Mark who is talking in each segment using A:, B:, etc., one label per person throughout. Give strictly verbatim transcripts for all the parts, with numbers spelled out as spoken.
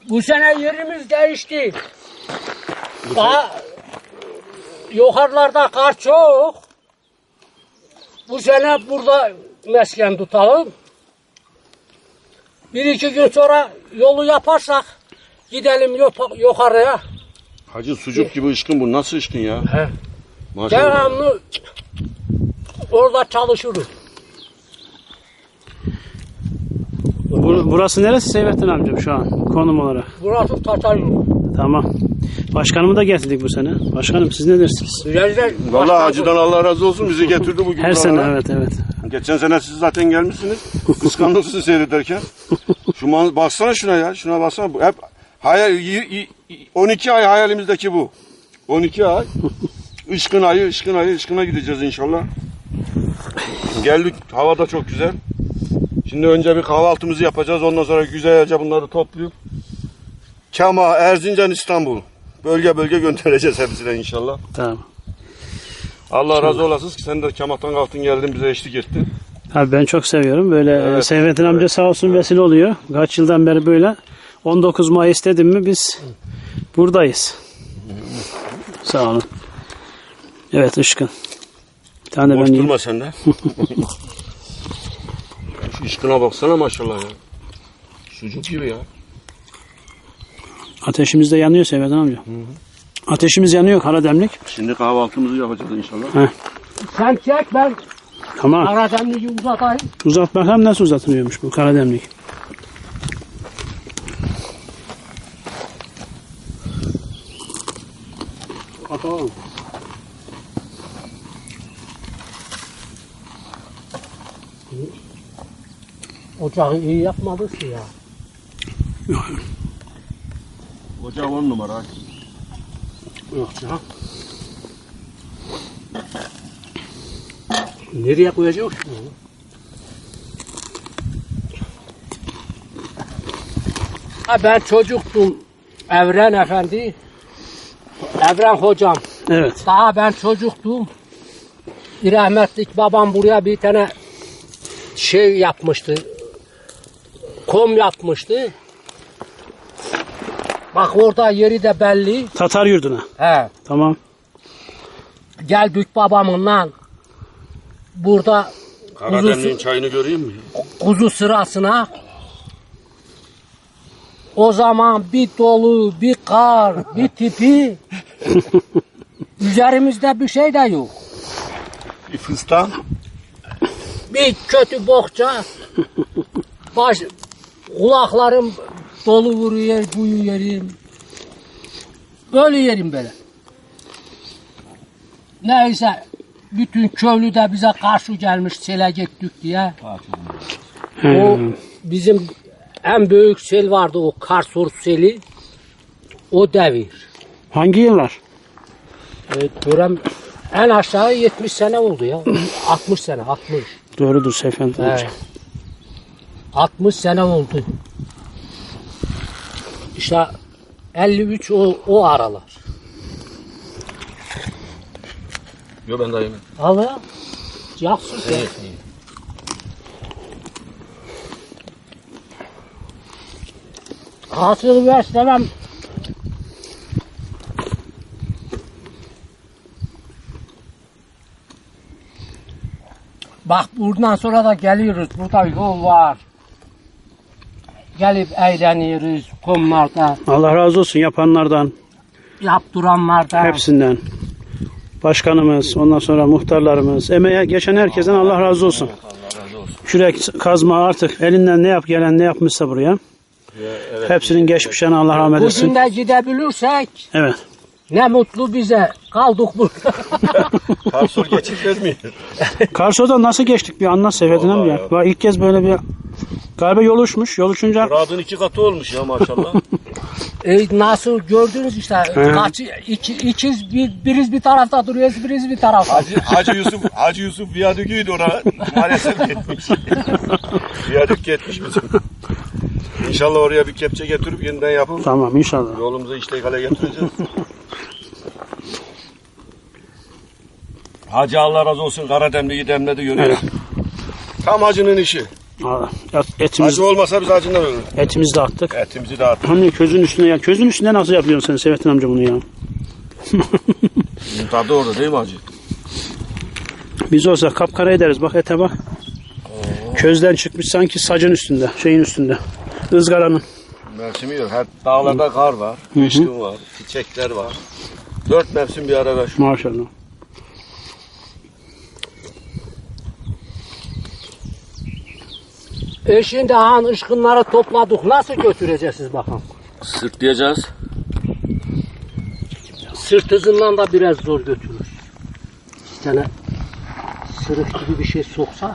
A: Bu sene yerimiz değişti. Daha yukarılarda kar çok. Bu sene burada mesken tutalım. Bir iki gün sonra yolu yaparsak gidelim yukarıya.
B: Hacı sucuk gibi ışkın bu. Nasıl ışkın ya?
A: He.
B: Maşallah.
A: Devamlı orada çalışırız.
C: Burası neresi Seyfettin amcam şu an konum olarak?
A: Burası Tatarlı.
C: Tamam. Başkanımı da getirdik bu sene. Başkanım siz ne dersiniz?
B: Vallahi hacıdan Allah razı olsun bizi getirdi bugün.
C: Her sene evet evet.
B: Geçen sene siz zaten gelmişsiniz. Kıskandım sizi seyrederken. Şu man baksana şuna ya. Şuna baksana. Bu hep hayal on iki ay hayalimizdeki bu. on iki ay. Işkın ayı, ışkın ayı, ışkına gideceğiz inşallah. Geldik. Hava da çok güzel. Şimdi önce bir kahvaltımızı yapacağız. Ondan sonra güzelce bunları toplayıp Kama, Erzincan, İstanbul bölge bölge göndereceğiz hepsine inşallah.
C: Tamam.
B: Allah razı olasın ki sen de Kama'tan kalktın geldin bize eşlik ettin.
C: Abi ben çok seviyorum. Böyle
B: evet,
C: Seyfettin
B: evet,
C: amca sağ olsun
B: evet.
C: vesile oluyor. Kaç yıldan beri böyle. on dokuz Mayıs dedim mi biz buradayız. Sağ olun. Evet Işkın. Bir tane de
B: boş
C: ben
B: durma
C: yiyeyim.
B: sen de. Şu ışkına baksana maşallah ya. Sucuk gibi ya.
C: Ateşimiz de yanıyor Seyfettin amca. Hı hı. Ateşimiz yanıyor Karademlik.
B: Şimdi kahvaltımızı yapacağız inşallah.
C: Heh.
A: Sen çek ben
C: Tamam.
A: Karademliği uzatayım.
C: Uzat bakalım nasıl uzatılıyormuş bu Karademlik.
A: Bakalım. Ocağı iyi yapmadık ki ya.
B: Ocağı on numara.
A: Yok ya. Nereye koyacağız şunu? Ha ben çocuktum. Evren Efendi. Evren hocam.
C: Evet.
A: Daha ben çocuktum. Bir rahmetlik babam buraya bir tane şey yapmıştı. Kom yapmıştı. Bak orada yeri de belli.
C: Tatar yurduna.
A: He.
C: Tamam.
A: Geldik babamınla. Burada
B: Karadeniz'in çayını göreyim mi?
A: kuzu sırasına. O zaman bir dolu, bir kar, bir tipi. Üzerimizde bir şey de yok.
B: Bir fıstan.
A: Bir kötü bokça. Baş, kulaklarım dolu vuruyor, buyu yerim. Böyle yerim böyle. Neyse, bütün köylü de bize karşı gelmiş, sele gittik diye. O bizim en büyük sel vardı, o Karsur seli. O devir.
C: Hangi yıllar?
A: Evet, görem en aşağı yetmiş sene oldu ya. altmış sene, altmış.
C: Doğrudur Seyfettin amca.
A: Evet. altmış sene oldu. İşte elli üç o, o aralar.
B: Yok ben daha yemedim.
A: Al ya. Yaksız ya. Hasılı verslemem. Bak buradan sonra da geliyoruz. Burada yol var. Gelip eğleniyoruz kumlarda.
C: Allah razı olsun yapanlardan,
A: Yaptıranlardan.
C: hepsinden. Başkanımız, ondan sonra muhtarlarımız, emeğe geçen herkesten Allah razı olsun.
B: Allah razı olsun.
C: Kürek kazma artık elinden ne yap gelen ne yapmışsa buraya.
B: Ya, evet.
C: Hepsinin geçmişlerine Allah rahmet
A: Bugün
C: etsin.
A: de gidebilirsek
C: Evet.
A: ne mutlu bize. Kaldık burada.
B: Karsur geçip vermiyor.
C: Karso'da nasıl geçtik bir anlat Seyfettin amca.
B: ya.
C: Bak ilk kez böyle bir galiba yol uçmuş. Yol uçunca
B: Murad'ın iki katı olmuş ya maşallah.
A: E, nasıl gördünüz işte. Kaç, iki, ikiz bir, biriz bir tarafta duruyoruz, biriz bir tarafta.
B: Hacı, Hacı Yusuf, Hacı Yusuf viyadüküydü oraya. Maalesef gitmiş. Viyadük gitmiş bizim. İnşallah oraya bir kepçe getirip yeniden yapıp
C: tamam inşallah.
B: yolumuzu işlek hale getireceğiz. Hacı Allah razı olsun Karademli'yi demledi görüyor.
C: Evet.
B: Tam hacının işi.
C: Allah. Etimiz,
B: Acı olmasa biz acından ölürüz.
C: etimizi de attık.
B: Etimizi dağıttık.
C: Hani közün üstüne ya. Közün üstünde nasıl yapıyorsun sen Seyfettin amca bunu ya?
B: Tadı orada değil mi acı?
C: Biz olsa kapkara ederiz. Bak ete bak. Oo. Közden çıkmış sanki sacın üstünde. Şeyin üstünde. Izgaranın.
B: Mevsimi yok. Her dağlarda kar var. Kışkın var. Çiçekler var. Dört mevsim bir arada şu.
C: Maşallah.
A: E şimdi han ışkınları topladık. Nasıl götüreceksiniz bakalım?
B: Sırtlayacağız.
A: Sırt hızından da biraz zor götürür. İki tane sırık gibi bir şey soksak.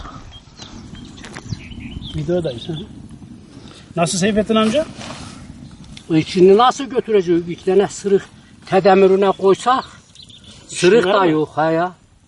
C: Videodayız. Nasıl Seyfettin amca?
A: İçini nasıl götüreceğiz? İki tane sırık tedemirine koysak. Sırık da yok ha ya.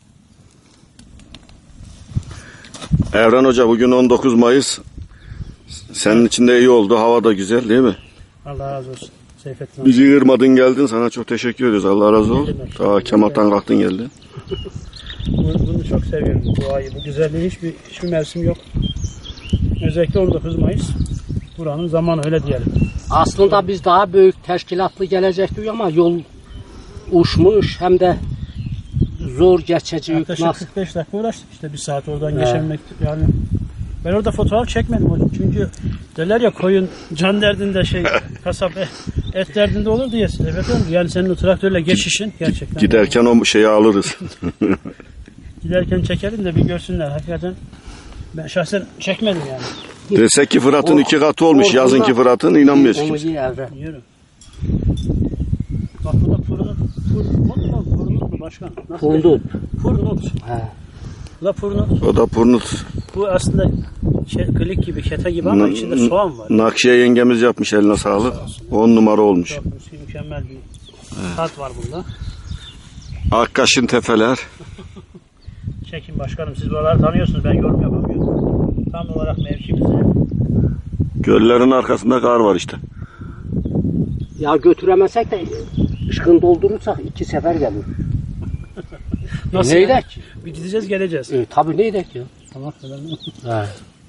B: Evren Hoca bugün on dokuz Mayıs. Senin için de iyi oldu. Hava da güzel değil mi?
C: Allah razı olsun Seyfettin amca.
B: Bizi kırmadın geldin. Sana çok teşekkür ediyoruz. Allah razı olsun. Ta Kemal'tan kalktın geldin.
C: Bunu çok seviyorum bu ayı. Bu güzelliği hiçbir, hiçbir mevsim yok. Özellikle on dokuz Mayıs. Buranın zamanı öyle diyelim.
A: Aslında biz daha büyük teşkilatlı gelecektik ama yol uçmuş hem de zor geçecek.
C: Yaklaşık kırk beş dakika uğraştık işte bir saat oradan evet. Geçemek yani. Ben orada fotoğraf çekmedim hocam çünkü derler ya koyun can derdinde şey kasap et derdinde olur diye evet yani senin o traktörle geçişin gerçekten.
B: Giderken o şeyi alırız.
C: Giderken çekelim de bir görsünler hakikaten. Ben şahsen çekmedim yani.
B: Desek ki Fırat'ın iki katı olmuş. Yazınki Fırat'ın inanmıyoruz kimse.
C: Yiyorum. Bak bu da fırınık. Fırınık mu? Fırınık mu başkan?
A: Fırınık.
C: Fırınık. He. Bu da fırınık.
B: O da purnut.
C: Bu aslında şey, klik gibi, kete gibi ama içinde soğan var.
B: Nakşiye yengemiz yapmış eline sağlık. On numara olmuş.
C: Mükemmel bir tat var bunda.
B: Akkaş'ın tefeler.
C: Çekin başkanım siz buraları tanıyorsunuz ben yorum yapamıyorum. Tam olarak mevkimize.
B: Göllerin arkasında kar var işte.
A: Ya götüremezsek de ışkın doldurursak iki sefer gelir.
C: Nasıl
A: e, neydek ki?
C: Bir gideceğiz geleceğiz.
A: E, tabii neydek ya.
C: Tamam.
A: He.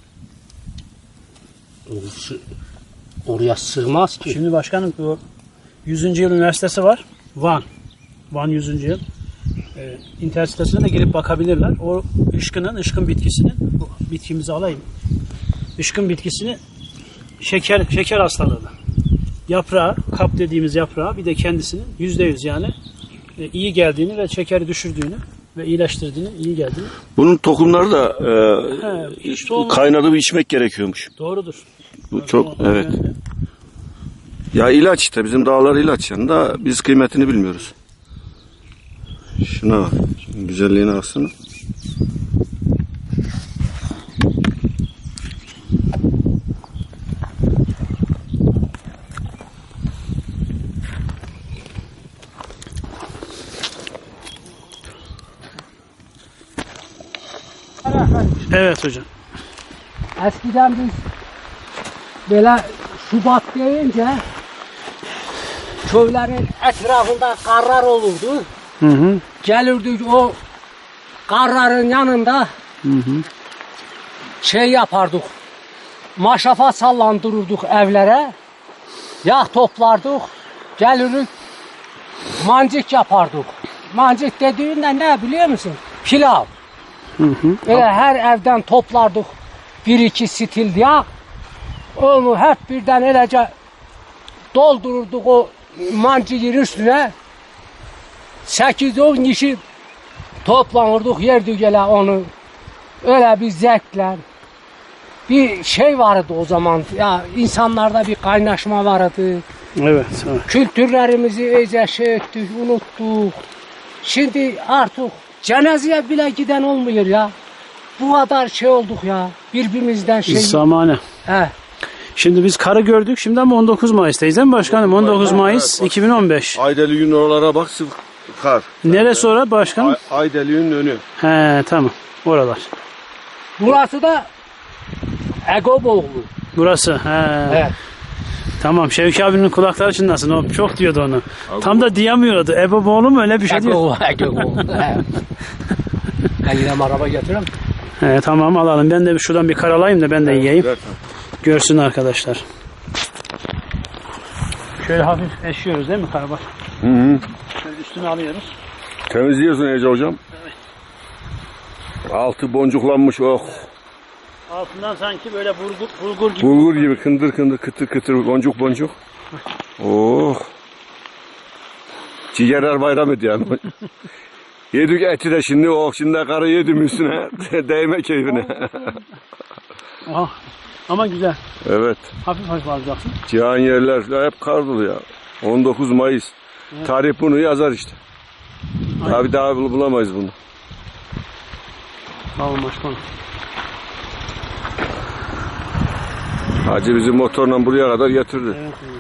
A: Oraya sığmaz ki.
C: Şimdi başkanım bu yüzüncü yıl üniversitesi var. Van. Van yüzüncü yıl. Ee, internet sitesine de girip bakabilirler. O ışkının, ışkın bitkisinin, bu bitkimizi alayım. Işkın bitkisini şeker şeker hastalığına. Yaprağı, kap dediğimiz yaprağı bir de kendisinin yüzde yüz yani e, iyi geldiğini ve şekeri düşürdüğünü ve iyileştirdiğini, iyi geldiğini.
B: Bunun tohumları da e,
C: He, işte o...
B: kaynatıp içmek gerekiyormuş.
C: Doğrudur.
B: Bu
C: evet,
B: çok
C: o,
B: evet. Yani. Ya ilaç işte bizim dağlar ilaç yani da biz kıymetini bilmiyoruz. Şuna bak. Şunun güzelliğine baksana.
C: Evet hocam.
A: Eskiden biz böyle Şubat deyince köylerin etrafında karlar olurdu.
C: Hı hı.
A: Gelirdik o karların yanında hı hı. şey yapardık. Maşafa sallandırırdık evlere. Yağ toplardık. Gelirdik mancık yapardık. Mancık dediğinde ne biliyor musun? Pilav.
C: Hı hı.
A: Öyle her evden toplardık bir iki stil yağ. Onu hep birden öylece doldururduk o mancığın üstüne. sekiz on kişi toplanırdık yerdik öyle onu. Öyle bir zevkler. Bir şey vardı o zaman. Ya insanlarda bir kaynaşma vardı.
C: Evet. evet.
A: Kültürlerimizi iyice şey ettik, unuttuk. Şimdi artık cenazeye bile giden olmuyor ya. Bu kadar şey olduk ya. Birbirimizden şey.
C: Zamanı.
A: He.
C: Şimdi biz karı gördük. Şimdi ama on dokuz Mayıs'tayız değil mi başkanım? on dokuz Mayıs iki bin on beş.
B: Aydeli'nin oralara bak sıvı kar.
C: Neresi orası başkanım?
B: Ay, Aydeli'nin önü.
C: He tamam. Oralar.
A: Burası da Egoboğlu.
C: Burası. He.
A: Evet.
C: Tamam. Şevki abinin kulakları çınlasın. O çok diyordu onu. Ego. Tam da diyemiyordu. Eboboğlu mu öyle bir şey diyor.
A: Egoboğlu. Ben yine araba getiririm.
C: He, tamam alalım. Ben de bir şuradan bir karalayayım da ben de yiyeyim.
B: Ver.
C: Görsün arkadaşlar. Şöyle hafif eşiyoruz değil mi karabaş?
B: Hı hı.
C: Şöyle üstüne alıyoruz.
B: Temizliyorsun Ece hocam.
C: Evet.
B: Altı boncuklanmış oh.
C: Altından sanki böyle bulgur, bulgur gibi.
B: Bulgur gibi kındır kındır kıtır kıtır boncuk boncuk. Oh. Ciğerler bayram ediyor yani. Yedik eti de şimdi oh şimdi karı yedim üstüne. Değme keyfine.
C: Ah, ama güzel.
B: Evet.
C: Hafif hafif alacaksın.
B: Cihan yerler hep kar dolu ya. on dokuz Mayıs.
C: Evet.
B: Tarih bunu yazar işte.
C: Aynen.
B: Abi daha bulamayız bunu.
C: Tamam başkanım.
B: Hacı bizi motorla buraya kadar getirdi.
C: Evet, evet.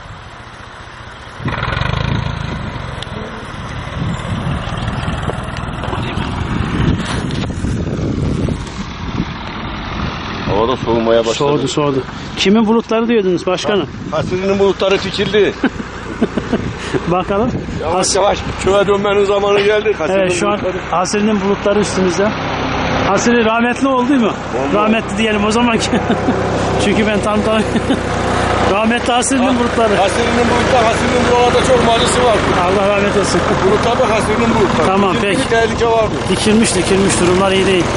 B: Havada soğumaya başladı.
C: Soğudu soğudu. Kimin bulutları diyordunuz başkanım?
B: Hasrinin bulutları fikirli.
C: Bakalım.
B: Yavaş yavaş köye dönmenin zamanı geldi. Hasrinin
C: Evet şu an
B: bulutları.
C: Hasri'nin bulutları üstümüzde. Hasri rahmetli oldu mu?
B: Oldu.
C: Rahmetli diyelim o zaman ki. Çünkü ben tam tam rahmetli Hasri'nin bulutları.
B: Hasrinin bulutlar, Hasrinin buralarda çok malisi var.
C: Allah rahmet etsin.
B: Bulutlarda Hasrinin bulutları.
C: Tamam,
B: Fikirli
C: peki.
B: Bir tehlike var mı?
C: Dikilmiş dikilmiş durumlar iyi değil.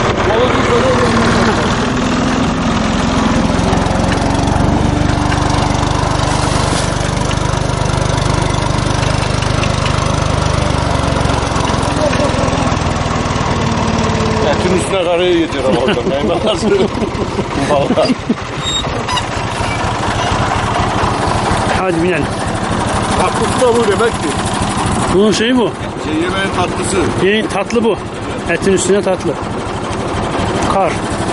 B: Etin üstüne karayı yediyor ama hocam. Neyme nasıl? Valla.
C: Hadi binelim.
B: Tatlısı da bu demek ki.
C: Bunun şeyi bu.
B: Şey yemeğin tatlısı.
C: Yeni tatlı bu. Etin üstüne tatlı. Kar.